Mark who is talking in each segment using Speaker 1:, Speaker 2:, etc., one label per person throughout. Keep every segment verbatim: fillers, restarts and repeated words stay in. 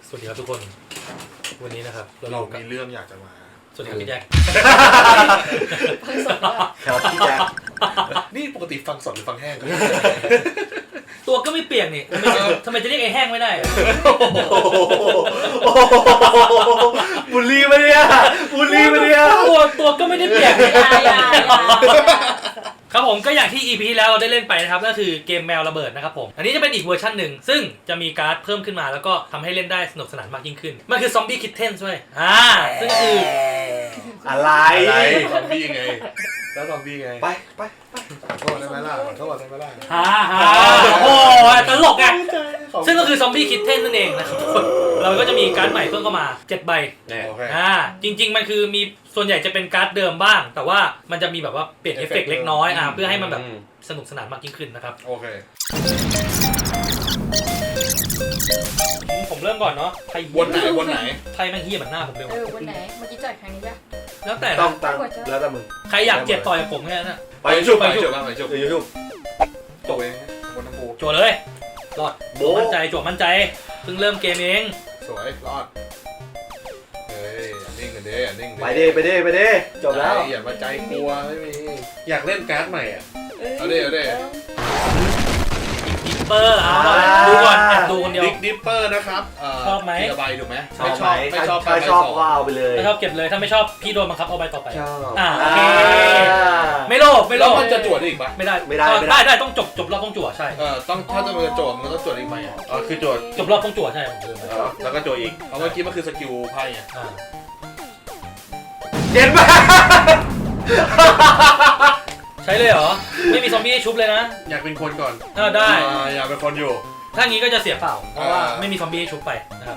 Speaker 1: สวัสดีครับทุกคนวันนี้นะครับ
Speaker 2: เรามีเรื่องอยากจะมา
Speaker 1: สวัสดีครับพี่แจ็ค
Speaker 3: ครับพี่แจ็ค
Speaker 2: นี่ปกติฟังสดหรือฟังแห้งกัน
Speaker 1: ตัวก็ไม่เปียกนี่ทำไมจะเรียกไอ้แห้งไม่ได้
Speaker 3: บุลลี่มาเนี่ยบุลลี่มาเนี่ย
Speaker 1: ตัวตัวก็ไม่ได้เปียกครับผมก็อย่างที่ อี พี ที่แล้วเราได้เล่นไปนะครับก็คือเกมแมวระเบิดนะครับผมอันนี้จะเป็นอีกเวอร์ชันหนึ่งซึ่งจะมีการ์ดเพิ่มขึ้นมาแล้วก็ทำให้เล่นได้สนุกสนานมากยิ่งขึ้นมันคือซอมบี้คิทเทนด้วยอ่าซึ่งก็คือ
Speaker 3: อะไร
Speaker 2: อะไรซอมบี้ไงแล้วซอมบี้ไง
Speaker 3: ไปไปไป
Speaker 2: ขอโทษได้ไหมล่ะขอโทษได้ไหมล่ะ
Speaker 1: ฮ่าฮ่าโอ้ตลกอ่ะซึ่งก็คือซอมบี้คิทเทนนั่นเองนะครับเราก็จะมีการ์ดใหม่เพิ่มเข้ามาเจ็ดใบอ่าจริงๆมันคือมีส่วนใหญ่จะเป็นการ์ดเดิมบ้างแต่ว่ามันจะมีแบบว่าเปลี่ยนเอฟเฟกต์เล็กน้อยอ่าเพื่อให้มันแบบสนุกสนานมากยิ่งขึ้นนะครับ
Speaker 2: โอเค
Speaker 1: ผมเริ่มก่อนเนาะไทย
Speaker 2: วนไหนวนไหน
Speaker 1: ไทยแม่งเหี้ยเหมือนหน้าผมเลย
Speaker 4: เออวนไหนเมื่อกี้จ่ายครั้งนี้จ้ะ
Speaker 1: แล้วแต่
Speaker 3: ต้องตั้งแล้วแต่มึง
Speaker 1: ใครอยากเจ็บต่อยกับผมแค่นั้น
Speaker 2: ไปชุบไปชุบไปชุบ
Speaker 3: ไปชุบ
Speaker 2: จบเองบนน้ำปู
Speaker 1: จั่วเลยรอดโบมั่นใจจั่วมั่นใจเพิ่งเริ่มเกมเอง
Speaker 2: สวยรอดเฮ้ยนิ่งกันเด้นิ่ง
Speaker 3: ไปเด้ไปเด้ไปเด้จบแล้ว
Speaker 2: อย่ามาใจกลัวไม่มี
Speaker 5: อยากเล่นการ์ดใหม่อ่ะ
Speaker 2: เอาเด้เอาเด้
Speaker 1: ดิปเปอร์เอาดูก่อนแอบดูคนเดียว
Speaker 2: ดิกดิปเปอร์นะครับ
Speaker 1: ชอบไหม
Speaker 2: ระบายดูไหม
Speaker 3: ชอบไหมไม่ชอบไม่ชอบก็เอาไปเลย
Speaker 1: ไม่ชอบเก็บเลยถ้าไม่ชอบพี่โดนบังคับเอาใบต่อไป
Speaker 3: ชอบ
Speaker 1: อ่าโอเคไม่โลภไม่โลภ
Speaker 2: มันจะจวดอีกปะ
Speaker 1: ไม่ได้ไม่ได้ได้ได้ต้องจบจบรอบต้องจั่วใช่
Speaker 2: เออต้องถ้าจะเป็นจวดมันก็ต้องจวดอีกไหม
Speaker 5: อ๋อคือจวด
Speaker 1: จบรอบต้องจั่วใช่ผมลืม
Speaker 5: แล้วก็จวดอีก
Speaker 2: เพราะเมื่อกี้มันคือสกิลไพ่ไง
Speaker 3: เย็นมาก
Speaker 1: ใช้เลยเหรอไม่มีซอมบี้ให้ชุบเลยนะ
Speaker 5: อยากเป็นคนก่อน
Speaker 1: เออได้
Speaker 2: อยากเป็นคนอยู่
Speaker 1: ถ้างี้ก็จะเสียเปล่าเพราะว่าไม่มีซอมบี้ให้ชุบไปนะครับ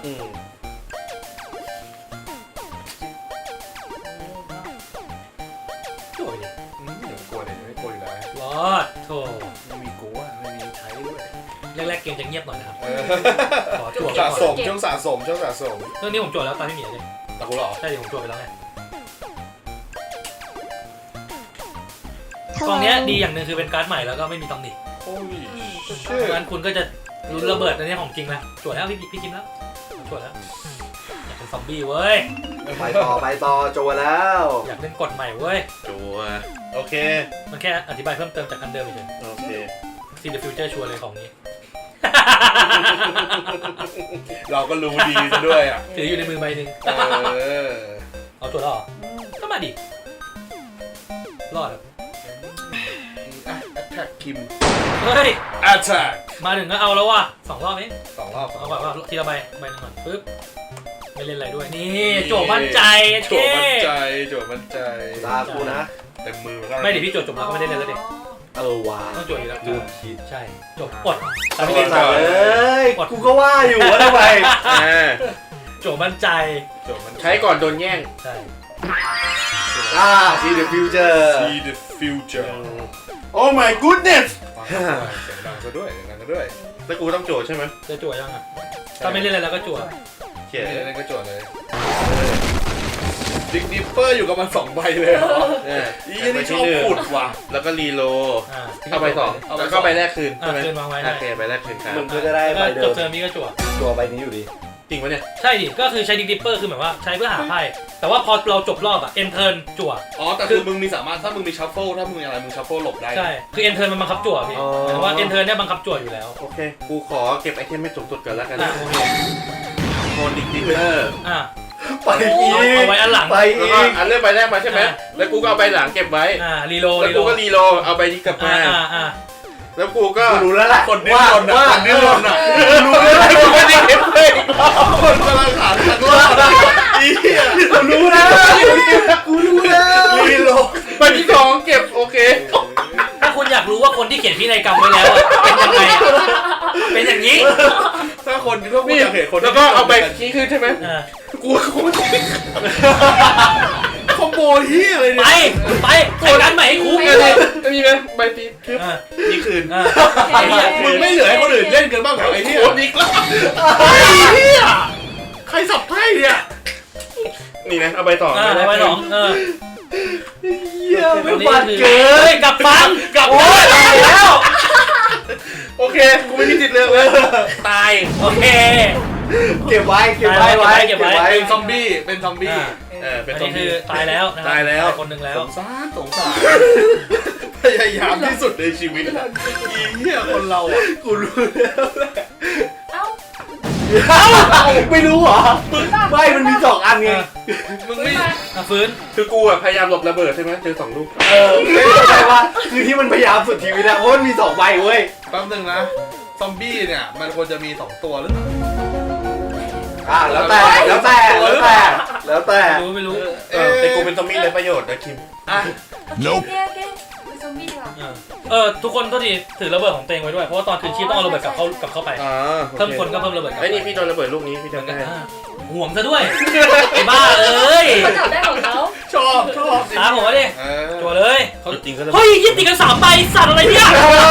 Speaker 2: จั่วดิไม่กลัวเลยไม่กลัวอยู่แล้ว
Speaker 1: รอดโธ่
Speaker 2: ไม่มีกลัวไม่มีใช้ด้วย
Speaker 1: แรกๆเกมจะเงียบหน่อยนะครับ
Speaker 2: ขอจั่วสะสมช่วงสะสมช่วงสะสม
Speaker 1: เรื่องนี้ผมจั่วแล้วตอนที่หมีเลย
Speaker 2: ตะกูหรอ
Speaker 1: ใช่ดิผมจั่วไปแล้วไงกองนี้ดีอย่างหนึ่งคือเป็นการ์ดใหม่แล้วก็ไม่มีตำหนิ
Speaker 2: โอ้ย
Speaker 1: งั้นคุณก็จะรุนระเบิดอันนี้ของจริงนะจวดแล้วพี่พี่คิมแล้วจวดแล้วอยากเป็นซอมบี้เว้ย
Speaker 3: ไปต่อไปต่อจวดแล้ว
Speaker 1: อยากเล่นกฎใหม่เว้ย
Speaker 5: จวดโอเค
Speaker 1: มันแค่อธิบายเพิ่มเติมจากอันเดิมเฉย
Speaker 5: โอเค
Speaker 1: ซีเดอะฟิวเจอร์ชัวร์เลยของนี้
Speaker 2: เราก็รู้ดีซะด้วยอ่ะ
Speaker 1: ถืออยู่ในมือใบหนึ่งเอาจวดแล้วเหรอก็มาดิรอด
Speaker 2: แท็กคิม
Speaker 1: เฮ้ย
Speaker 2: attack
Speaker 1: มาถึงก็เอาแล้วว่ะสองรอบเอง
Speaker 2: สองรอบ
Speaker 1: เอาแบบว่าทีละใบใบนึงก่อนปึ๊บไม่เล่นอะไรด้วยนี่โจมั่นใจ
Speaker 2: โจมั่นใจโจมั่นใจ
Speaker 3: ตากูนะ
Speaker 2: เต็มมือ
Speaker 1: ไม่เดี๋ยวพี่โจจบแล้วก็ไม่ได้เล่นแล้วเด็ก
Speaker 3: เออว่ะ
Speaker 1: ต้องโจอีกแล้ว
Speaker 3: ดูคิด
Speaker 1: ใช่จบอด
Speaker 3: แต่ไม่เล่นเลยกูก็ว่าอยู่ว่าทำไม
Speaker 1: โจมั่นใจ
Speaker 5: ใช้ก่อนโดนแย่ง
Speaker 1: ใช่
Speaker 3: อ่า see the future
Speaker 2: see the future
Speaker 5: Oh my goodness
Speaker 2: เสียงดังซะด้วยเสียงดังซะด้วย
Speaker 5: แล้วกูต้องโจใช่ไหม
Speaker 1: จะโจยังอ่ะถ้าไม่เล่นอะไรแล้วก็โจ
Speaker 2: เขียนอะไรก็โจเลยดิกดิปเปอร์อยู่กับมันสองใบเลยเหรออีนี่ชอบขุดว่ะ
Speaker 5: แล้วก็รีโลเอาใบสองแล้วก็ใบแรกคืน
Speaker 1: ใช่ไหมคืนวางไว้
Speaker 5: โอเคใบแรกคืนครับ
Speaker 3: มึงก็จะได้ใบเดิม
Speaker 1: จบเทอมนี้ก็โจ
Speaker 3: โจใบนี้อยู่ดี
Speaker 5: จริงปะเนี่ย
Speaker 1: ใช่ดิก็คือใช้ดิกดิปเปอร์คือเหมือนว่าใช้เพื่อหาไพ่แต่ว่าพอเราจบรอบอะเอ็นเทิร์นจั่ว
Speaker 2: อ๋อแต่คือมึงมีสามารถถ้ามึงมีชัฟเฟิลถ้ามึงมีอะไรมึงชัฟเฟิลหลบได้
Speaker 1: ใช่คือเอ็นเทิร์นมันบังคับจั่วพี่หมายว่าเอ็นเทิร์นเนี่ยบังคับจั่วอยู่แล้ว
Speaker 5: โอเคกูขอเก็บไอเทมไม่สูงสุดก่อนแล้วกัน
Speaker 1: โอเค
Speaker 5: โคนดิกดิปเปอร์
Speaker 1: อ่ะ
Speaker 3: ไปอีก
Speaker 1: เอาไว้อันหลัง
Speaker 3: ไปอีก
Speaker 5: อันเลือกใบแรกมาใช่ไหมแล้วกูก็เอาใบหลังเก็บไว้
Speaker 1: อ่ารีโล
Speaker 5: แล้วกูก็รีโลเอาใบนี้กลับมา
Speaker 1: อ่าอ่า
Speaker 5: แล้วกูก็
Speaker 3: รู้แล้วแหละ
Speaker 2: คนดิ้นรนอ่ะคนดิ้นรนอ่ะ
Speaker 5: รู้แล้วกูไม่ได้เก็บเลย
Speaker 2: คนกำลังหาทางรอดอี
Speaker 3: กูรู้แล้วกูรู้แล้ว
Speaker 2: รีโล
Speaker 5: ใบที่สองเก็บโอเค
Speaker 1: ถ้าคุณอยากรู้ว่าคนที่เขียนพินัยกรรมไว้แล้วเป็นยังไงเป็นอย่างนี้
Speaker 2: ถ้าคนถ้าคุณอยากเห็นคน
Speaker 5: แล้วก็เอาใบขี้ขึ้นใช่ไหม
Speaker 2: กูคงคอมโบเฮียอะไร
Speaker 1: เนี่ยไปไปไปกันใหม่ให้คุ้ม
Speaker 5: เลยจะมีไหมใบตีคือนี่คืน
Speaker 2: ไอ้เหี้ยมึงไม่เหลือให้คนอื่นเล่นกันบ้างเหรอไอ้เหี้ย
Speaker 5: โคตรอีกแล้ว
Speaker 2: ไอ้เหี้ยใครสับไพ่เนี่ย
Speaker 5: นี่นะเอาใบต่อ
Speaker 1: เอาใบสองเออ
Speaker 3: เหี้ยไม่หวานเกิน
Speaker 1: กลับฟังกลับ
Speaker 5: แล้วโอเคกูไม่มีจิตเลือกเลย
Speaker 1: ตายโอเค
Speaker 3: เก็บไว้เก็บไว้ไว้
Speaker 1: เก็บไว้
Speaker 2: เป็นซอมบี้เป็นซอมบี้
Speaker 5: เออเป็น
Speaker 1: อัน
Speaker 5: ซอ
Speaker 1: นี้
Speaker 5: ม
Speaker 1: คื
Speaker 5: บี้
Speaker 1: อตายแล้วนะ
Speaker 5: ตายแล้ว
Speaker 1: คนหนึ่งแล้ว
Speaker 2: สงสารสงสารพยายามที่สุดในชีวิตอะอีเหี้ยคนเราอ่ะ
Speaker 3: กูรู้แล้วแหละ
Speaker 4: เอ้า
Speaker 3: ไม่รู้เหรอไม่มันมีสองอันไง
Speaker 2: มึง
Speaker 4: ฟื้
Speaker 2: ไม่
Speaker 4: นมา
Speaker 1: อ่ะฟื้น
Speaker 5: คือกูอะพยายามหลบระเบิดใช่ไหมเจอสองลูก
Speaker 3: เออไม่เข้าใจว่าคือที่มันพยายามสุดชีวิตอะเพราะมันมีสองใบเว้ย
Speaker 2: แป๊บนึงนะซอมบี้เนี่ยมันควรจะมีสองตัวหรือเปล่า
Speaker 3: อ่าแล้วแต่แล้วแต่แล้วแต่แล้วแต่
Speaker 1: รู้ไม่รู้
Speaker 5: เออแต่กูเป็นซอมบี้เลยประโยชน์นะคิม
Speaker 2: อ่ะ
Speaker 4: โอเคโอเคเป็นซอมบี้ดีกว่า
Speaker 1: เออเออทุกคนก็ทีถือระเบิดของเตงไว้ด้วยเพราะว่าตอนคืนชีพต้องเอาระเบิดกลับเข้ากลับเข้าไป
Speaker 5: อ่า
Speaker 1: เพิ่มคนก็เพิ่มระเบิดกลับ
Speaker 5: ไอ้นี่พี่โดนระเบิดลูกนี้พี่จำได้
Speaker 1: อ่าห่วงซะด้วยไอ้บ้าเอ้ย
Speaker 4: เขาจับได้ของเขา
Speaker 2: ชอบชอบ
Speaker 1: ตามผมมาดิ
Speaker 2: เออ
Speaker 1: จั่วเลย
Speaker 5: เขาจริงก็ระเบิ
Speaker 1: เฮ้
Speaker 5: ด
Speaker 1: ยยี่ติดกันสามใบสัตว์อะไรเนี่ย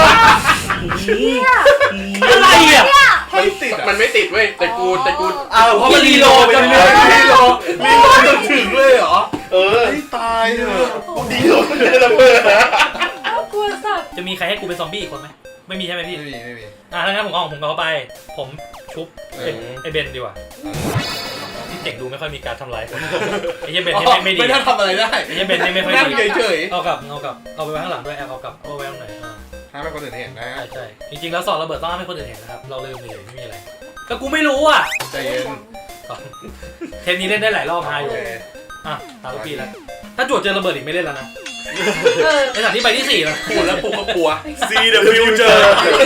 Speaker 1: อะไรอ่ะ
Speaker 2: ไม่ติดอะ
Speaker 5: มันไม่ติดเว้ยแต่กูแต่กู
Speaker 3: อ้าวเพราะมันรีโหลดจน
Speaker 2: มี
Speaker 3: เลย
Speaker 2: โลมีโลจนถึงเลยเหรอ
Speaker 3: เออ
Speaker 2: ไอ้ตายเถอะ
Speaker 5: ดีโดนระเบิดนะ
Speaker 4: เอ้ากลัวสัตว์
Speaker 1: จะมีใครให้กูเป็นซอมบี้อีกคนไหมไม่มีใช่ไหมพี่
Speaker 2: ไม่มีไม่มี
Speaker 1: อ่ะถ้างั้นผมเอาของผมเข้าไป ผมชุบไอ้ไอ้เบนดีกว่าที่เจ๋งดูไม่ค่อยมีการทำร้ายคนไอ้เหี้ยเบนนี่ไม่ไม่ดี
Speaker 2: ไม่น่าทำอะไรได้
Speaker 1: ไอ้เหี้ยเบนนี่ไม่ค่อย
Speaker 2: นั่ง
Speaker 1: ดี
Speaker 2: เฉย
Speaker 1: เอากลับเอากลับเอาไปไว้ข้างหลังด้วยแอบเอากลับเอาไว้ตรงไหนอ่า
Speaker 2: ๆให้คนอื่นเห็นนะ
Speaker 1: ใช่ใช่จริงๆแล้วสอนระเบิดต้องให้คนอื่นเห็นนะครับเราลืมเลยไม่มีอะไรก็กูไม่รู้อ่ะ
Speaker 2: ใจเย็น
Speaker 1: เทปนี้เล่นได้หลายรอบฮาอ
Speaker 2: โอยู่ เค
Speaker 1: อ่ะตามทุกปีแล้วถ้าจวดเจอระเบิดอีกไม่เล่นแล้วนะ
Speaker 4: เออ
Speaker 1: ไอ้สถานที่ใบที่สี่แล้ว
Speaker 2: พูดแล้วกูก็กลัว
Speaker 5: ซีเดฟิวเจอร์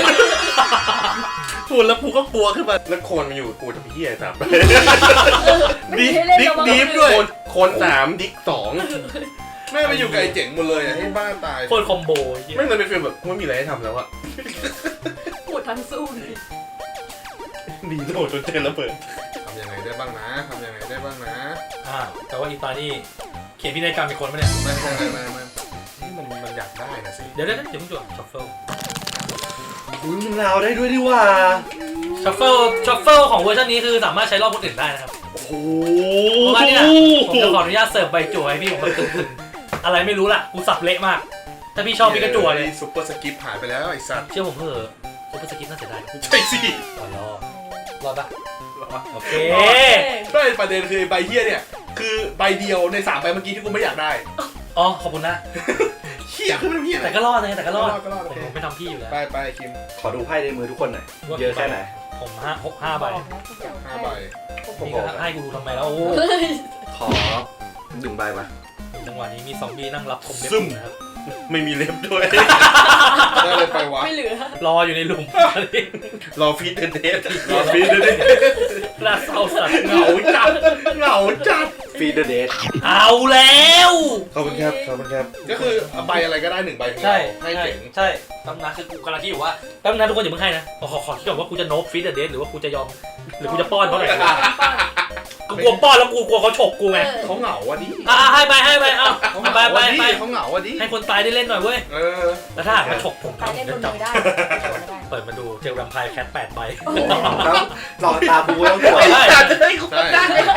Speaker 2: พูดแล้วกูก็กลัวขึ้นมา
Speaker 5: แล้วโคนมันอยู่กับกูทำเหี้ยสาม
Speaker 4: ไม่
Speaker 2: ดิ
Speaker 4: ได้เล่น
Speaker 2: ดิ๊ก
Speaker 4: ระวัง
Speaker 2: ดิฟด้วย
Speaker 5: โคนโคนสามดิกสอง
Speaker 2: แม่ไปอยู่กับไอ้เจ๋งหมดเลยอะให้บ้าตาย
Speaker 1: โคตรคอมโบเหี้ย
Speaker 5: ไม่เลยเป็นฟีลแบบกูไม่มีอะไรให้ทำแล้วอะ
Speaker 4: ปวดทั้งสู้เลย
Speaker 5: ดีโดดจนเจอระเบิด
Speaker 2: ทำยังไงได้บ้างนะทำยังไงได้บ้างนะ
Speaker 1: อ่าแต่ว่าอีตานี่เขียนพินัยกรรมอีกคนปะเนี่ย
Speaker 2: ไม่ไม่ไม่ไม่ไม่นี่มันมันอยากได้นะสิ
Speaker 1: เดี๋ยวเดี๋ยวเดี๋ยวมึงจวดชัฟเฟิล
Speaker 3: อุ้ยมันลาวได้ด้วยดิว่า
Speaker 1: ชัฟเฟิลชัฟเฟิลของเวอร์ชันนี้คือสามารถใช้รอบคนอื่นได้นะครับ
Speaker 3: โอ้โห
Speaker 1: เพราะว่าเนี่ยผมจะขออนุญาตเสิร์ฟใบจั่วให้พี่ผมแบบตึงๆอะไรไม่รู้ล่ะกูสับเละมาก ถ้าพี่ชอบพี่ก็จั่วเลย
Speaker 2: ซุปเปอร์สกิปหายไปแล้วไอ้สัตว์
Speaker 1: เชื่อผมเถอะซุปเปอร์สกิปน่าเสียดาย
Speaker 2: ใช่สิ
Speaker 1: รอรอรอดปะโอเค
Speaker 2: ไม่ประเด็นคือใบเฮียเนี่ยคือใบเดียวในสามใบเมื่อกี้ที่กูไม่อยากได้
Speaker 1: อ๋อขอบคุณนะ
Speaker 2: เฮียคือมันเฮีย
Speaker 1: แต่ก็รอดนะแต่ก็รอด
Speaker 2: ก็รอด
Speaker 1: ผ
Speaker 2: โอ
Speaker 1: ม
Speaker 2: เค
Speaker 1: ผมไม่ทำพี่อยู่แล้ว
Speaker 2: ไปไปคิม
Speaker 3: ขอดูไพ่ในมือทุกคนหน่อยเยอะแค่ไหน
Speaker 1: ผมห้าหกห้าใบ
Speaker 2: ห้าใบ
Speaker 1: พี่ก็ให้กูดูทำไมแล้วโอ้
Speaker 4: เฮ้ย
Speaker 3: ขอหนึ่งใบมา
Speaker 1: จังหวะนี้มีซอมบี้นั่งรับคมเล็บนะครับ
Speaker 5: ไม่มีเล็บด้วย
Speaker 2: ได้เลยไปวะ
Speaker 4: ไม่เหลือ
Speaker 1: รออยู่ในหลุม
Speaker 5: รอฟีดเดนเดส
Speaker 2: รอฟีดเลย
Speaker 1: น่าเศร้าสัตว์
Speaker 2: เหงาจัดเหงาจัด
Speaker 3: ฟีดเดอร์เดท
Speaker 1: เอาแล้ว
Speaker 5: ขอบคุณครับขอบคุณครับ
Speaker 2: ก็คือใบอะไรก็ได้หนึ่งใบของ
Speaker 1: ใช่
Speaker 2: เราให้
Speaker 1: ใช่
Speaker 2: เจ๋ง
Speaker 1: ใช่ตำนานคือกูกำลังคิดอยู่ว่าตำนานทุกคนอย่าเพิ่งให้นะขอขอขอคิดก่อนว่ากูจะโนบฟีดเดอร์เดทหรือว่ากูจะยอมหรือกูจะป้อนเขาหน่อยกูกลัวป้อนแล้วกูกลัวเขาฉกกูไง
Speaker 2: เขาเหงาอ่ะดิ
Speaker 1: อ่ะให้ไปให้ไปเอา
Speaker 2: เขา
Speaker 1: ไป
Speaker 2: เหงา
Speaker 1: ไป
Speaker 2: อ่ะดิ
Speaker 1: ไป
Speaker 2: เขาเหงาอ่ะดิ
Speaker 1: ให้คนตายได้เล่นหน่อยเว้ย
Speaker 2: เออ
Speaker 1: แล้วถ้าหากมาฉกผม
Speaker 4: ตายเล่นบน
Speaker 1: จับ
Speaker 4: มือได้จับไม่ได้
Speaker 1: เปิดมาดูเจอแวมไพร์แคทแปดใบ
Speaker 3: แล้วหลอดตาบูต้องตัว
Speaker 1: ใช่
Speaker 2: ใช่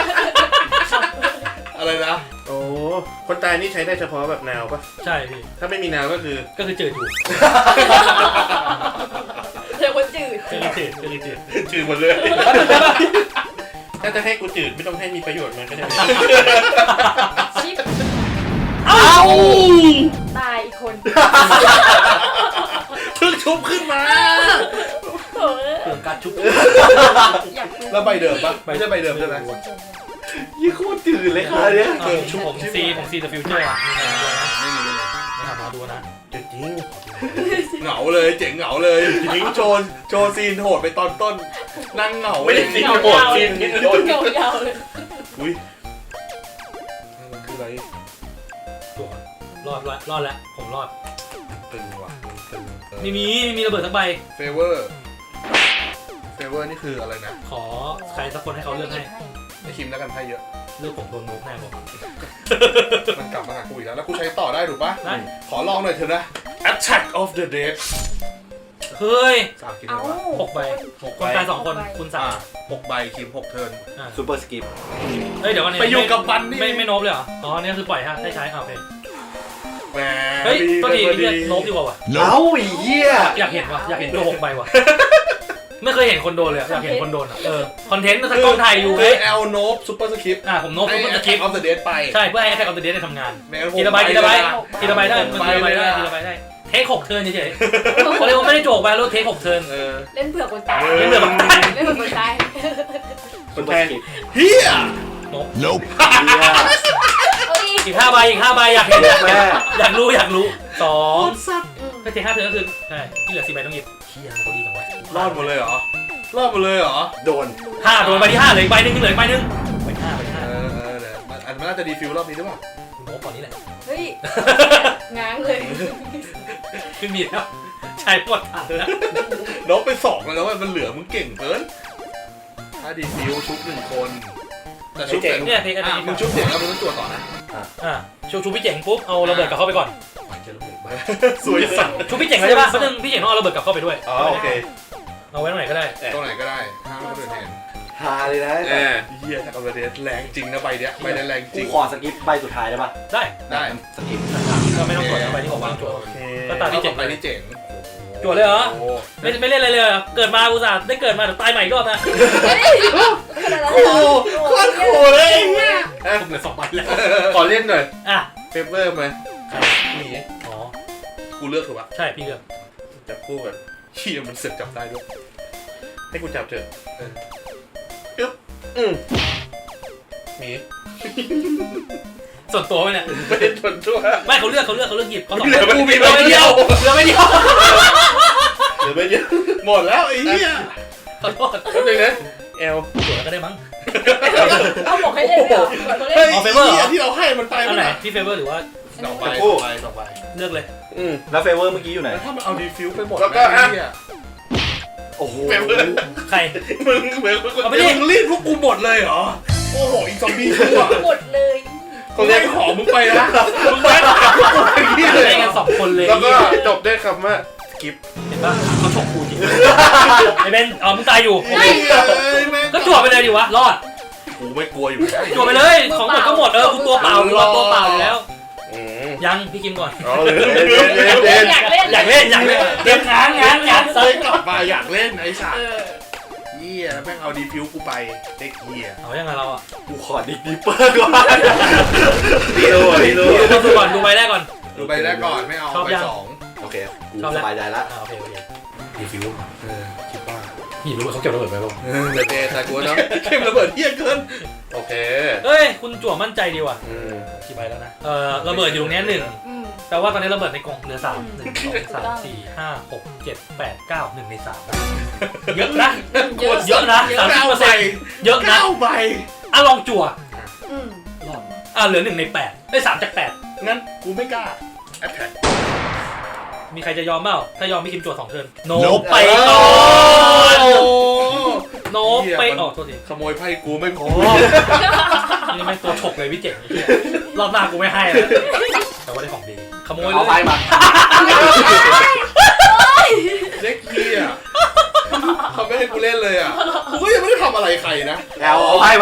Speaker 2: อะไรนะ
Speaker 5: โอ้คนตายนี่ใช้ได้เฉพาะแบบแนวปะ
Speaker 1: ใช่พี่
Speaker 5: ถ้าไม่มีแนวก็คือ
Speaker 1: ก็คือจืดอยู่
Speaker 4: เดี๋ยวคนจืด
Speaker 1: ก็คือจืดก็คือจืด
Speaker 5: จืดหมดเลย ถ้าจะให้กูจืดไม่ต้องให้มีประโยชน์มันก็ได้
Speaker 4: ชิป
Speaker 1: เอ้า
Speaker 4: ตายอีกคน
Speaker 2: เพิ่งชุบขึ้นมา
Speaker 4: โอ้ย
Speaker 1: เรื่องการชุบ
Speaker 4: อยากดู
Speaker 2: แล้วใบเดิมปะไม่ใช่ใบเดิมใช่ไหม
Speaker 3: ยี่โคตรจืดเลยค่ะเนี่ย
Speaker 1: เออผมซีผมซีเดอะฟิวเจอร์อ่ะมีใครมาดูไหม
Speaker 2: ไม่มีไม่มี
Speaker 1: ไม่ทำมาดูนะ
Speaker 5: จืดจริง
Speaker 2: เหงาเลยเจ๋งเหงาเลยทิ้งโชว์โชว์ซีนโหดไปตอนต้นนั่งเหงา
Speaker 5: ไม่ได้ซีนโหดซีนนิดโดน
Speaker 4: เงายาวเลย
Speaker 2: อุ้ยมันคืออะไร
Speaker 1: ตัวรอดรอดรอดแล้วผมรอด
Speaker 2: ตึงว่ะตึง
Speaker 1: ไม่มีไม่มีระเบิดสักใบ
Speaker 2: เฟเวอร์เฟเวอร์นี่คืออะไรนะ
Speaker 1: ขอใครสักคนให้เขาเลือกให้
Speaker 2: ไอคิมแล้วกันให้เยอะ
Speaker 1: เลือกผมโดนโน้มแน่บอก
Speaker 2: มันกลับมาหากูอีกแล้วแล้วกูใช้ต่อได้ถูกปะ
Speaker 1: ได้
Speaker 2: ขอลองหน่อยเถอะนะ Attack of the Dead
Speaker 1: เฮ้ย
Speaker 2: สามคิม
Speaker 4: เอ้า
Speaker 2: เลยวะ
Speaker 1: หกใบคนตายสองคนคุณสา
Speaker 2: อ่าม หกใบคิมหกเทิร์น
Speaker 1: อ่า
Speaker 3: ซูเปอร์สกิป
Speaker 1: เฮ้ยเดี๋ยววันนี้
Speaker 2: ไปอยู่กับมันนี่
Speaker 1: ไม่ไม่โนบเลยเหรออ๋อนี่คือปล่อยฮะได้ใช้อ่าโอเค
Speaker 2: แหม
Speaker 1: เฮ้ยก็ดี
Speaker 2: พอ
Speaker 1: นี่โนบดีกว่าว่ะ
Speaker 3: เอ้าไอ้เหี้ย
Speaker 1: อยากเห็นว่ะอยากเห็นตัวหกใบว่ะไม่เคยเห็นคนโดนเลยอะอยากเห็นคนโดนอ่ะเออคอนเทนต์ถ้ากล้องถ่ายอยู่
Speaker 2: คื
Speaker 1: ไง
Speaker 2: อเอลโนบซูเปอร์สคริปต์
Speaker 1: อ่ะผมโน้ต
Speaker 2: ให้
Speaker 1: ผม
Speaker 2: แอ
Speaker 1: จะ
Speaker 2: ค
Speaker 1: คลิป
Speaker 2: ออฟเดอะเดดไป
Speaker 1: ใช่เพื่อให้แท็กออฟเดอะเดย์ได้ทำงาน
Speaker 2: ไม่งั้นผม
Speaker 1: ทีละใบทีละใบ
Speaker 2: ไปเลยนะ
Speaker 1: ทีละใบได้มันทีละใบได้
Speaker 2: ไปเลยนะ
Speaker 1: ทีละใบได้เทคหกเทิร์นเฉยๆเขาเรียกว่าไม่ได้โจกไปแล้วเทคหกเทิร์น
Speaker 2: เออ
Speaker 4: เล่นเผื่อคนตาย
Speaker 1: เล่นเผื่อคนตาย
Speaker 4: เล่นเผื่อคนตาย
Speaker 3: คนแทน
Speaker 2: เฮีย
Speaker 3: Nope
Speaker 4: เอ้ย
Speaker 1: อีกห้าใบอีกห้าใบอยากเห็น
Speaker 3: แม่
Speaker 1: อยากรู้อยากรู้สอง
Speaker 4: อืม
Speaker 1: ก็เทคห้าเทิร์นก็คือใช่ที่เหลือสี่ใบต้องหยิบเฮียเขาดีจังวะ
Speaker 2: รอดหมดเลยเหรอรอดหมดเลยเหรอ
Speaker 3: โดน
Speaker 1: ห้าโดนใบที่ห้าเหลืออีกใบหนึงเหลืออีกใบหนึงใบที่ห้าใบที่
Speaker 2: เอ
Speaker 1: ห้า
Speaker 2: อเออเนี่ยมันอันมันน่าจะดีฟิลรอบนี้หรือเปล่า
Speaker 1: คุณโน้ตก่อนนี้แหละ
Speaker 4: เฮ้ยง้างเลย
Speaker 1: ขึ้นมีแล้วใช้หมดถังแล้ว
Speaker 2: น้องไปสองแล้วมันเหลือมึงเก่งเกินถ้าดีฟิลชุบหนึ่งคนแต่ชุบเจ๋ง
Speaker 1: เนี่ยเทคอัน
Speaker 2: อ่ะ
Speaker 1: นี้
Speaker 2: มึงชุบเจ๋งแล้วมึงต้องตัวจต่อนะ
Speaker 1: อ่ะชูชูพี่เจ๋งปุ๊บเอาระเบิดกลับเข้าไปก่อน
Speaker 2: สวยสัตว์
Speaker 1: ชูพี่เจ๋งแล้วใช่ป่ะเพราะนึงพี่เจ๋งต้องเอาระเบิดกลับเข้าไปด้วย
Speaker 3: อ๋อโอเค
Speaker 1: เอาไว้ตรงไหนก็ได้
Speaker 2: ตรงไหนก็ได้ห้ามคนอื่นเห็น
Speaker 3: ฮาเลยนะ
Speaker 2: เออเฮียถ้าเอาไปเดสแรงจริงนะใบเนี้ยใบเนี้ยแรงจ
Speaker 3: กู
Speaker 2: ริง
Speaker 3: ขอสกิปใบสุดท้ายได้ปะ
Speaker 1: ได้
Speaker 2: ได้
Speaker 3: สกิป
Speaker 1: ก็ไม่ต้องตรวจเอาไปที่ผมวางตรวจ
Speaker 2: โอเค
Speaker 1: ก็ตามที่เจ๋ง
Speaker 2: ไปที่เจ๋ง
Speaker 1: จวดเลยเหรอ
Speaker 2: โอ้
Speaker 1: ไม่ไม่เล่นอะไรเลยเหรอเกิดมาอุตส่าห์ได้เกิดมาเดี๋ยวตายใหม่อีกรอบนะ
Speaker 4: เฮ้ยขนาดนั้น
Speaker 2: โห
Speaker 4: เหรอ
Speaker 2: โคตรโหดเลยไอ้เนี่ย
Speaker 1: ผมเหลือสองใบแล้ว
Speaker 5: ขอเล่นหน่อย
Speaker 1: อ่ะ
Speaker 2: เปเปอร์ไหมหนี
Speaker 1: อ๋อ
Speaker 2: กูเลือกถูกปะ
Speaker 1: ใช่พี่เลือก
Speaker 5: จับคู่กัน
Speaker 2: เฮียมันเสร็จจับได้ด้วย
Speaker 5: ให้กูจับเถอะ
Speaker 3: อืม
Speaker 5: หมี
Speaker 1: ส่วนตัวไหมเนี่ย
Speaker 5: ไม่ได้ทนชั่ว
Speaker 1: ไม่เขาเลือกเขาเลือกเขาเลือกหยิบเขาสอง
Speaker 5: เหลือ
Speaker 1: ใบ
Speaker 5: กูมี
Speaker 1: เหลือ
Speaker 5: ใบ
Speaker 1: ไม่
Speaker 5: เดี
Speaker 1: เดี
Speaker 5: ย
Speaker 1: ยว วเหลือไม่เดียว
Speaker 5: เหลือใบเดียว
Speaker 2: หมดแล้วไอ้เหี้ย
Speaker 1: ขอโทษ
Speaker 5: แป๊บนึงนะเอล
Speaker 1: จวดแล้วก็ได้มั้ง
Speaker 4: เอาบอกให้เล่นเลยเหรอบอกเขาเล่
Speaker 2: เฮ้
Speaker 4: น
Speaker 2: ย
Speaker 1: อ๋อ favor เหรอ
Speaker 2: เหี้ยที่เราให้มันไป
Speaker 1: อั
Speaker 2: มัน น
Speaker 1: ไหน
Speaker 2: ไหน
Speaker 1: พี่เฟเวอร์หรือว่า
Speaker 2: สองใบสองใบสองใบ
Speaker 1: เลือกเลย
Speaker 5: อืม
Speaker 3: แล้วเฟเวอร์เมื่อกี้อยู่ไหน
Speaker 2: แล้วถ้ามันเอาดีฟิวไปหมด
Speaker 5: แล้วก็
Speaker 2: นะไอ้เหี้ย
Speaker 3: โอ้โห
Speaker 5: เฟเวอร์
Speaker 1: ใคร
Speaker 5: มึงเหมือนคน
Speaker 1: เอาไป
Speaker 2: ไม่
Speaker 1: ดิ
Speaker 2: ได้มึงรีดพวกกูหมดเลยเหรอ โอ้โหอีกซอมบี้ชั่ว
Speaker 4: หมดเลย
Speaker 2: คนแรกขอมึงไปนะมึงไปกับพวกกูไปที่เล
Speaker 1: ได้
Speaker 2: ย
Speaker 1: กันสองคนเลย
Speaker 5: แล้วก็จบด้วยคำว่ากิฟ
Speaker 1: เห็นปะเขาฉกกูจริงไอ้เบนเอามึงตายอยู่
Speaker 2: ไอ้เหี้ยเอ้ยแม่ง
Speaker 1: ก็จวดไปเลยดิวะรอด
Speaker 2: กูไม่กลัวอยู่แล้ว
Speaker 1: จวดไปเลย ของหมดก็หมดเออกูตัวเปล่ากูรอตัวเปล่าอยู่แล้ว
Speaker 5: อืม
Speaker 1: ยังพี่กิมก่อน
Speaker 5: อ๋อเลยเล่นเล่นเล่น
Speaker 4: อยากเล่น
Speaker 1: อยากเล่นอยากเล่นเตรียมงานงานงาน
Speaker 2: เฮ้ยกลับมาอยากเล่นไอ้สัต
Speaker 4: เอ
Speaker 2: ว์
Speaker 4: อ
Speaker 2: เหี้ยแม่งเอาดีฟิวกูไปเด็กเหี้ย
Speaker 1: เอายังไงเราอ่ะ
Speaker 3: กูขอดิกดิปเปอร์ก่อน
Speaker 5: ดีโลดีโล
Speaker 1: ดูดูก่อนดูใบแรกก่อน
Speaker 2: ดูไปแรกก่อนไม่เอา
Speaker 1: ชอบ
Speaker 2: ไป
Speaker 1: ยัง
Speaker 2: สอง
Speaker 3: โอเค กู
Speaker 1: ชอบแล้ว
Speaker 3: สบายใจละ
Speaker 1: อ่าโอเคโอเค
Speaker 2: ดีฟิวเออคิดว่า
Speaker 1: พี่รู้ว่าเขาเก็บระเบิดไปป่ะ
Speaker 2: เออเดี๋ยวเจแต่กูเนาะเข้มระเบิดเหี้ยเกิน
Speaker 5: โอเค
Speaker 1: เอ้ยคุณจั่วมั่นใจดีว่ะ
Speaker 5: อืม
Speaker 1: กี่ใบแล้วนะเออระเบิดอยู่ตรงนี้หนึ่ง
Speaker 4: อืม
Speaker 1: แปลว่าตอนนี้ระเบิดในกล่องเหลือสามหนึ่งสองสามสี่ห้าหกเจ็ดแปดเก้าหนึ่งในสามเยอะนะ
Speaker 4: เยอะ
Speaker 1: เยอะนะสามสิบ
Speaker 2: เก้า
Speaker 1: เปอร์
Speaker 2: ใบ
Speaker 1: เซ็นต์เยอะนะ
Speaker 2: เก้าใบ
Speaker 1: อ่ะลองจั่ว
Speaker 4: อืม
Speaker 1: รอดอ่ะเหลือหนึ่งในแปดได้สามจากแปด
Speaker 2: งั้นกูไม่กล้าแอปแท็ก
Speaker 1: มีใครจะยอมเปล่าถ้ายอมพี่คิมจั่วสองเทิร์นโน
Speaker 3: Nope
Speaker 1: ไปก่อน
Speaker 2: โอ้
Speaker 1: โนไปอ๋อโทษที
Speaker 2: ขโมยไพ่กูไม่พอ
Speaker 1: นี่แม่งตัวฉกเลยพี่เจ๋งไอ้เหี้ยรอบหน้ากูไม่ให้แล้วแต่ว่าได้ของดีขโมยเล
Speaker 3: เอาไป
Speaker 1: ย
Speaker 3: มา
Speaker 2: เด็กเหี้ยเขาไม่ให้กูเล่นเลยอ่ะกูก็ยังไม่ได้ทำอะไรใครนะ
Speaker 3: แอลเอาไปมา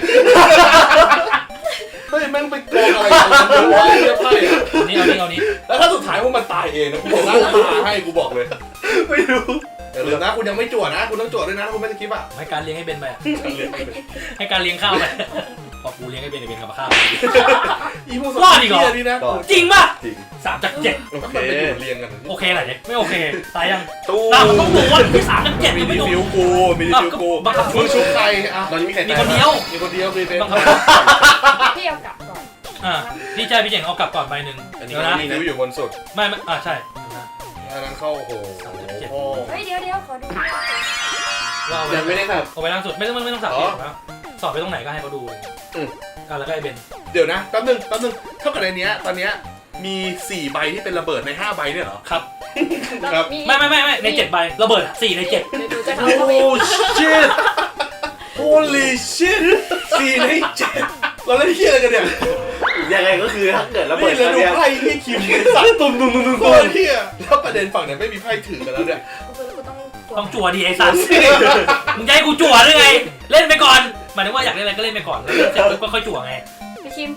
Speaker 2: เฮ้ยแม่งไปโกงอะไรกันมันรู้ว่าไอ้เหี้ยไพ่อะ
Speaker 1: เอานี่เอานี่เอานี่
Speaker 2: แล้วถ้าสุดท้ายพวกมันตายเองนะกูจะนั่งตาให้กูบอกเลย
Speaker 3: ไม่รู้
Speaker 2: อย่าลืมนะคุณยังไม่จวดนะคุณต้องจวดด้วยนะถ้าคุณไม่ได้คลิปอ่ะ
Speaker 1: ให้การเลี้ยงให้เบนไปอะให้การเลี้ยงข้าวไปพอกูเลี้ยงให้เบนไอ้เบนกับมาข้าว
Speaker 2: อีพวก
Speaker 1: รอดอีกเหรอ
Speaker 2: เหี้ยนี่นะ
Speaker 3: ก็
Speaker 1: จริงป่ะ
Speaker 3: จริง
Speaker 1: สามจากเจ็ด
Speaker 2: แล้วมันไปอยู่เรียงกัน
Speaker 1: โอเคไหนเนี่ยไม่โอเคตายยัง
Speaker 5: ตู้
Speaker 1: ตามมันต้องดูว่าที่สามจากเจ็ด
Speaker 2: มี
Speaker 1: ยัง
Speaker 2: ดี
Speaker 1: ไม่ดู
Speaker 2: ฟิวกูมีดีฟิวกู
Speaker 1: บังคับ
Speaker 2: มึงชุบใครอ่ะ
Speaker 5: ตอนนี้มีใคร
Speaker 1: มี
Speaker 5: ตาย
Speaker 1: คนเดียว
Speaker 2: มีคนเดียวมีเป็น
Speaker 1: บังคับ
Speaker 4: พี่เอากลับก่อน
Speaker 1: อ่าพี่ชายพี่เจ๋งเอากลับก่อนใบหนึ่ง
Speaker 5: อันนี้
Speaker 1: เดี๋ยวนะ
Speaker 5: นี่
Speaker 2: ฟิ
Speaker 5: นะ
Speaker 2: วอยู่บนสุด
Speaker 1: ไม่ไม่อ่าใช่
Speaker 2: อันนั้นเข้าโอ้โหพ่อ
Speaker 4: เฮ้ยเดี๋ยวเดี๋ยวขอดู
Speaker 1: ว่าเอาไว้
Speaker 5: ยังไม่ได้ครับ
Speaker 1: เอาไว้ล่างสุดไม่ต้องไม่ต้องสับ
Speaker 5: อ๋อ
Speaker 1: เองนะสอบไปตรงไหนก็ให้เขาดูเลย
Speaker 5: อืม
Speaker 1: อ่าแล้วก็ไอ้เบน
Speaker 2: เดี๋ยวนะแป๊บนึงแป๊บนึงเท่ากับในเนี้ยตอนเนี้ยมีสี่ใบที่เป็นระเบิดในห้าใบเนี่ยเหรอ
Speaker 1: ครับ
Speaker 2: ครับ
Speaker 4: มี
Speaker 1: ไม่ไม่ไม่ไม่ในเจ็ดใบระเบิดอะสี่ในเจ็ด
Speaker 4: เดี๋ยวดูจะทำเขาอีก
Speaker 2: shit holy shit สี่ในเจ็ดเราเล่นเฮียอะไรกันเนี่ย
Speaker 3: ยังไงก็คือถ้าเกิดระเบิ
Speaker 2: นี่
Speaker 3: ด
Speaker 2: แล้วดู
Speaker 3: เนี่ย
Speaker 2: ไพ่ที่คิมสัตว์ตุ้มตุ้มตุ้มตุ้มตุ้มเฮียแล้วประเด็นฝั่งเนี่ยไม่มีไพ่ถือกันแล้วเนี่ย
Speaker 4: กูต้อง
Speaker 1: ต้องจั่วดีไอ้สัสมึงจะให้กูจั่วหรือไง เล่นไปก่อนหมายถึงว่าอยากเล่นอะไรก็เล่นไปก่อนแล้วเล่นเสร็จปุ๊บก็ค่อยจั่วไง
Speaker 4: พี่คิม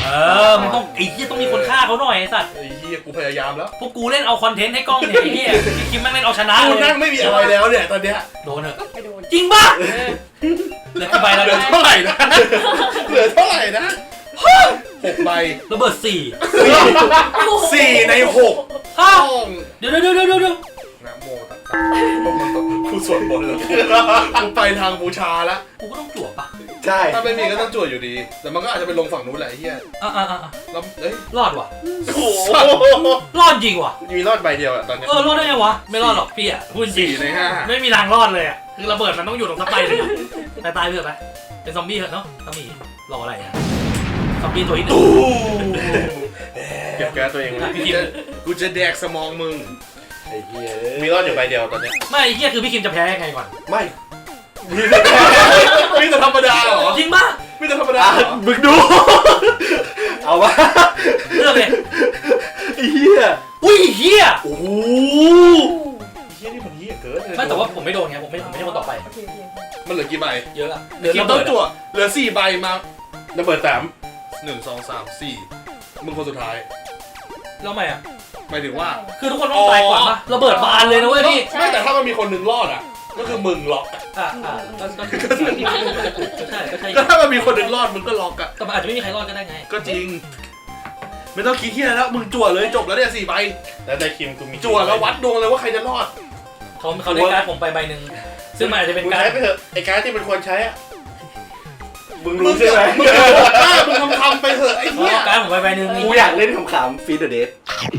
Speaker 1: เออมันต้องไอ้เหี้ยต้องมีคนฆ่าเขาหน่อยไอ้สัตว์
Speaker 2: ไอ้เหี้ยกูพยายามแล้ว
Speaker 1: พวกกูเล่นเอาคอนเทนต์ให้กล้องเนี่ยไอ้เหี้ยไอ้คิมแม่งเล่นเอาชนะ
Speaker 2: กู
Speaker 1: เล
Speaker 2: นั่
Speaker 1: ย
Speaker 2: งไม่มีอะไรแล้วเนี่ยตอนเนี้ย
Speaker 1: โดนเถอะ
Speaker 4: ไปโดน
Speaker 1: จริงป่ะเหลือกี่ใบแล้ว
Speaker 2: เหลือ
Speaker 1: เนี่ย
Speaker 2: เท่าไหร่นะเหลือเท่าไหร่นะหกใบ
Speaker 1: ระเบิดสี่
Speaker 2: สี่ในหก
Speaker 1: อ้าว
Speaker 2: ต้อง
Speaker 1: เดี๋ยวเดี๋ยวเดี๋ยวเดี๋ยวเดี๋ยว
Speaker 2: นะโมตัสสะกูสวดมนต์เลยกูไปทางบูชาละ
Speaker 1: กูก็ต้องจั่วป่ะ
Speaker 3: ใช่
Speaker 2: ถ้าไม่มีก็ต้องจวดอยู่ดี แต่มันก็อาจจะไปลงฝั่งนู้นแหละไอ้เหี้ย
Speaker 1: อ่ะอ่ะอ่ะอ่ะ
Speaker 2: แล้วเอ้ย
Speaker 1: รอดว่ะ
Speaker 2: โอ้โห
Speaker 1: รอดจริงว่ะ
Speaker 5: มีรอดใบเดียวอะตอนเนี้ย
Speaker 1: เออรอดได้ไงวะไม่รอดหรอกพี่อ่ะพูดจริง
Speaker 2: สี่ในห้า
Speaker 1: ไม่มีทางรอดเลยอ่ะคือระเบิดมันต้องอยู่ตรงสไปเลยอะแต่ตายเถอะไปเป็นซอมบี้เถอะเนาะต้องมีรออะไรอ่ะซอมบี้ตัวที่หนึ่ง
Speaker 5: เก็บแก๊สตัวเองไว้
Speaker 1: อ่ะพี่
Speaker 2: กู
Speaker 1: คิม
Speaker 2: จะกูจะแดกสมองมึง
Speaker 3: ไอ้เหี้ย
Speaker 5: มีรอดอยู่ใบเดียวตอนเนี้ย
Speaker 1: ไม่ไอ้เหี้ยคือพี่คิมจะแพ้ยังไงก่อน
Speaker 3: ไม่
Speaker 2: มีแต่มีแต่ธรรมดาเหรอ
Speaker 1: จริงป่ะ
Speaker 2: มีแต่ธรรมดา
Speaker 3: อ่ะ
Speaker 2: เหรอ
Speaker 3: มึงดู เอาวะ
Speaker 1: เลือกเลย
Speaker 3: ไอ้เหี้ย
Speaker 1: อุ้ยเหี้ย
Speaker 3: โอ้โห
Speaker 2: เฮียนี่มันเฮียเกินเลย
Speaker 1: ไม่แต่ว่าผมไม่โดนไงผมไม่ผมไม่ใช่คนต่อไป
Speaker 4: โอเคโอเค
Speaker 2: มันเหลือกี่ใบ
Speaker 1: เยอะอะ
Speaker 2: เหลือกี่ต้องจั่วเหลือสี่ใบมา
Speaker 5: ระเบิดสาม
Speaker 2: หนึ่งสองสามสี่มึงคนสุดท้าย
Speaker 1: แล้วทำไมอ่ะ
Speaker 2: หมายถึงว่า
Speaker 1: คือทุกคนต้องตายก่อนปะระเบิดบานเลยนะเว้ยพี่
Speaker 2: ไม่แต่ถ้ามันมีคนหนึ่งรอดอ่ะ ก็คือมึงล็อกอ่ะ
Speaker 1: อ่ะอ่ะก็ก็ก็ใช่ก็ใช่
Speaker 2: ก็ถ้ามันมีคนหนึ่งรอดมึงก็ล็อกอ่ะ
Speaker 1: แต่มันอาจจะไม่มีใครรอดก็ได้ไง
Speaker 2: ก็จริง ไม่ต้องคิดเฮียแล้วมึงจั่วเลยจบแล้วเนี่ยสี่ใบ
Speaker 5: แล้วได้คิมกูมี
Speaker 2: จั่วแล้ววัดดวงเลยว่าใครจะรอด
Speaker 1: เขาเขาได้การดผมไปใบหนึ่งซึ่งมันอาจจะเป็น
Speaker 5: มึง
Speaker 1: การ
Speaker 5: ใช้ไปเถอะไอ้การดที่มันควรใช้อะมึง
Speaker 2: มึ
Speaker 5: รู้
Speaker 2: ง
Speaker 5: ใช่ไหม
Speaker 2: มึงบอกว่ามึงทำทำไปเถอะไอ้
Speaker 1: เขา
Speaker 2: เหี้ย
Speaker 1: เอาการดผมไปใบหนึ่ง
Speaker 3: กูอยากเล่นขำๆฟีดเดอะเดท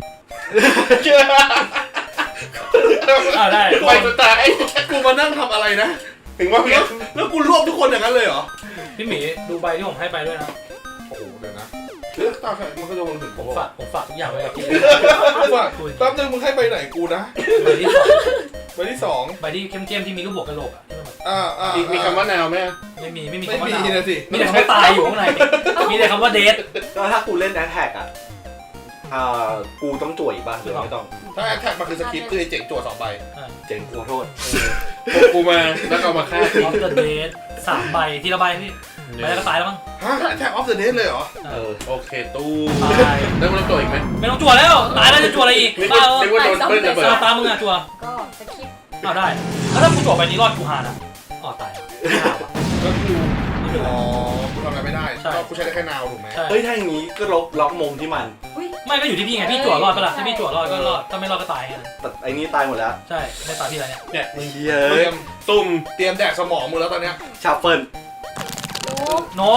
Speaker 1: อ่าได้
Speaker 5: ไปจนตาย
Speaker 2: กูมานั่งทำอะไรนะ
Speaker 5: ถึงว่า
Speaker 2: แล้วแล้วกูรวบทุกคนอย่างนั้นเลยเหรอ
Speaker 1: พี่หมีดูใบที่ผมให้ไปด้วยนะ
Speaker 2: โอ้โหเดี๋ยวนะเลือกตาใครมึงก็จะวนถึง
Speaker 1: ผมฝากผมฝากทุกอย่างไว้กับพี่
Speaker 2: ว่าแป๊บนึงมึงให้ไปไหนกูนะ
Speaker 1: ใบที่สอง
Speaker 2: ใบที่สอง
Speaker 1: ใบที่เข้มๆที่มีรูปบวกกระโหลกอ่ะที่มันแบบ
Speaker 2: อ่าอ่า
Speaker 5: มีมีคำว่านาวไหม
Speaker 1: ไม่มีไม่มี
Speaker 2: ไม่
Speaker 1: คำว่า
Speaker 2: มี
Speaker 1: ดาว
Speaker 2: นะสิ
Speaker 1: มีแต่คำว่าตายอยู่ข้างในมีแต่คำว่าเดท
Speaker 3: ก็ถ้ากูเล่นแอทแทกอ่ะ อ่า กูต้องจ่วยอีกป่ะหรือไม่ต้อง
Speaker 2: ถ้าแอทแท็กมันคือสคริปต์คือไอ้เจ๋งจั่วสองใบ
Speaker 3: เจ๋งกูขอโทษ
Speaker 5: พวกกูมาแล้วก็เอามาฆ่า
Speaker 1: อ
Speaker 5: ทิ้ง
Speaker 1: อฟเดอะเดทสามใบทีละใบพี่ใบแล้วก็ตายแล้วมั้ง
Speaker 2: ฮะแอทแท็กออฟเดอะเดย์เลยเหรอ
Speaker 3: เออ
Speaker 5: โอเคตู้
Speaker 1: ตาย
Speaker 5: แล้วมึงต้องตัวอีกไหม
Speaker 1: ไม่ต้องจั่วแล้วตายแล้วจะจั่วอะไรอีก
Speaker 5: นึก
Speaker 1: บ้า
Speaker 5: ว่า
Speaker 1: เอ
Speaker 5: นึกว่าโดนเบิ้ลระเบิด
Speaker 1: อตามมึงอ่ะจั่ว
Speaker 4: ก็สคริปต์
Speaker 1: อ้าวได้แล้วถ้ากูจั่วใบนี้รอดกูหานะอ๋อตายไม่หาว่ะ
Speaker 2: ก็กู
Speaker 1: ไม่เป็นไร
Speaker 2: อ๋อกูทำอะไรไม่ได้
Speaker 1: ใช่
Speaker 2: ก็กูใช้ได้แค่นาวถูกไหม
Speaker 1: ใช่
Speaker 3: เฮ้ย ถ้าอย่างนี้ก็ล็อกล็อกมุมที่มัน
Speaker 4: อุ้ย
Speaker 1: ไม่ก็อยู่ที่พี่ไงพี่จั่วรอดปะล่ะถ้าพี่จั่วรอดก็รอดถ้าไม่รอดก็ตายไง
Speaker 3: แต่ไอ้นี่ตายหมดแล้ว
Speaker 1: ใช่ไม่ตายพี่อะไรเนี่ย
Speaker 5: เนี่ย
Speaker 3: ไอ้เหี้ย
Speaker 2: เตรียม
Speaker 5: ตุ่ม
Speaker 2: เตรียมแดกสมองมึงแล้วตอนเนี้ย
Speaker 3: ชาเฟิล
Speaker 4: รู้
Speaker 1: โน้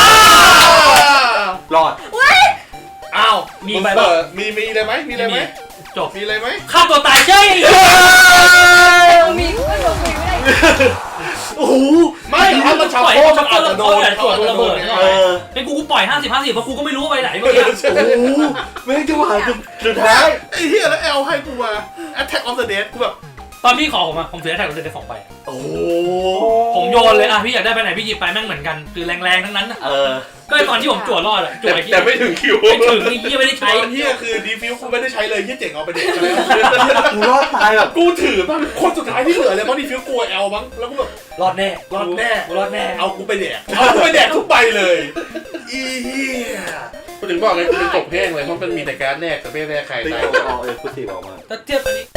Speaker 3: รอด
Speaker 2: อ้าว
Speaker 1: มี
Speaker 2: ง
Speaker 1: ใบ
Speaker 2: เปิ
Speaker 1: ปะ
Speaker 2: ดมีมีอะไรไหมมีอะไรไหม
Speaker 1: จบ
Speaker 2: มีอะไรไหม
Speaker 1: ฆ่าตัวตายใช่
Speaker 4: มีก็โดนคุยไม่ได้
Speaker 3: โอ้โห
Speaker 2: ไม่ถ้ามันชาวโคมันอาจจะโดนเขาอาจจะโดนไง
Speaker 3: เออ
Speaker 1: เป็นกูกูปล่อยห้าสิบห้าสิบเพราะกูก็ไม่รู้ว่าไปไหนเมื่อกี้
Speaker 3: โอ้โหแม่งจะหวานสุดท้าย
Speaker 2: ไอ้เหี้ยแล้วแอลให้กูมา Attack of the Dead กูแบบ
Speaker 1: ตอนพี่ขอผมอะผมเสียแท็กเราเลยได้สองใบอะ
Speaker 3: โอ้โห
Speaker 1: ผมโยนเลยอะพี่อยากได้ไปไหนพี่หยิบไปแม่งเหมือนกันคือแรงๆทั้งนั้นอะ
Speaker 3: เออ
Speaker 1: ก็ไอ้ตอนที่ผมจั่วรอดอะจั่
Speaker 5: แต่
Speaker 1: วไอ้ที่
Speaker 5: แต่ไม่ถึงคิว
Speaker 1: ไม่ถึงไอ้ที่ไม่ได้
Speaker 2: ต
Speaker 1: ใช้
Speaker 2: อนเหี้ยคือดีฟิวกูไม่ได้ใช้เลยเหี้ยเจ๋งเอาไปเด็กอะไร
Speaker 3: กูรอดตายแบบ
Speaker 2: กูถือมันคนสุดท้ายที่เหลือเลยเพราะดีฟิวกลัวแอลมั้งแล้วกูแบบ
Speaker 1: รอดแน่
Speaker 2: รอดแน่
Speaker 1: กูรอดแน่
Speaker 2: เอากูไปแดกเอากูไปแดกทุกใบเลยอีเหี้ย
Speaker 5: กูถึงบอกไงกูเป็นกบแห้งเลยเพราะมันมีแต่การดแรกแต่ไม่แรกใคร
Speaker 3: ตี
Speaker 5: ตาย
Speaker 3: ออกเออกูตีออกมา
Speaker 1: ถ้าเทียบอันนี้